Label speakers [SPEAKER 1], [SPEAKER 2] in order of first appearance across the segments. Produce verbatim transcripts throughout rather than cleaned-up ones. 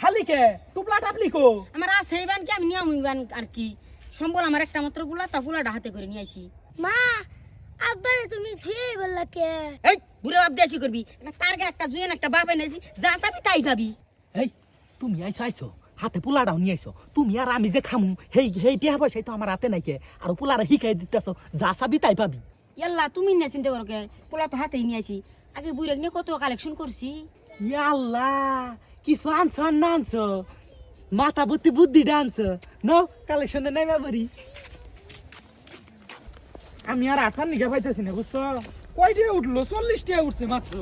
[SPEAKER 1] খালি কে টুপলা টাপলি কো
[SPEAKER 2] আমার আছে ইবান কি আমি নিয়ম ইবান আর কি সম্বল আমার একটা মাত্র গুলা তা গুলাটা হাতে করে নিয়ে আইছি
[SPEAKER 3] মা আব্বারে তুমি থুই বললা কে
[SPEAKER 2] এই বুড়ো বাপ দিয়ে কি করবি একটা তারগা একটা জুয়েন একটা বাপ এনেছি যা চাবি তাই পাবি
[SPEAKER 1] এই তুমি আইছো আইছো হাতে পোলাটাও নিয়ে আইছো তুমি আর আমি যে খামু হেই হেই টিয়া পয়সা তো আমার হাতে নাই কে আর পোলারে শিখাই দিতেছো যা চাবি তাই পাবি
[SPEAKER 2] ইয়াল্লা তুমি না চিন্তা করো কে পোলা তো হাতেই নিয়ে আইছি আগে বুড়ো নিয়ে কত কালেকশন করছি
[SPEAKER 1] ইয়াল্লা কিছু আনছো আর না আনছো মাথা বুদ্ধি বুদ্ধি ডানছো নো কালেকশনে নেমে পারি আমি আর আঠার নিগা পাইতেছি না বুঝছো কয়টা উঠলো চল্লিশটা উঠছে মাত্র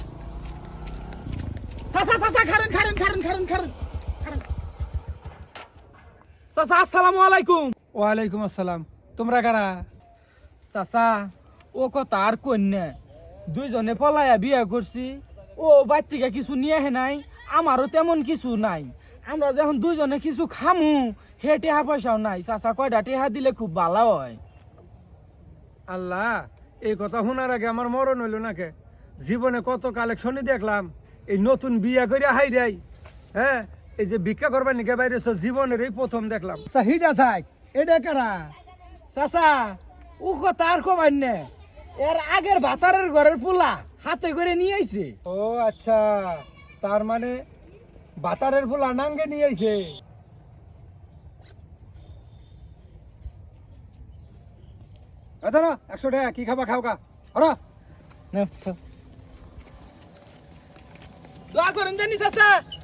[SPEAKER 1] চাচা চাচা খারেন খারেন খারেন খারেন খারেন খারেন চাচা আসসালামু আলাইকুম
[SPEAKER 4] ওয়ালাইকুম আসসালাম তোমরা কারা
[SPEAKER 1] চাচা ও কথা আর কন্যা দুইজনে পলায়া বিয়া করছি ও বাইর থেকে কিছু নিয়ে আহে নাই আমারও তেমন কিছু নাই আমরা যখন দুইজনে কিছু খামু হে টেহা পয়সাও নাই চাচা কয়টা টেহা দিলে খুব ভালো হয়
[SPEAKER 4] আল্লাহ এই কথা শোনার আগে আমার মরণ হইল নাকে জীবনে কত কালেকশনই দেখলাম এই নতুন বিয়া করে হাই রাই হ্যাঁ এই যে ভিক্ষা করবার নিকে বাইরে জীবনের এই প্রথম দেখলাম চাহিদা থাক এটা কারা
[SPEAKER 1] চাচা ও কথা আর কবার নে এর আগের ভাতারের ঘরের পোলা হাতে করে নিয়ে আইছে
[SPEAKER 4] ও আচ্ছা তার মানে বাতারের ফুলা নাঙ্গে নিয়ে আইছে ধরো একশো টাকা কি খাবা খাও কা ধরো
[SPEAKER 1] দোয়া করেন জানি চাচা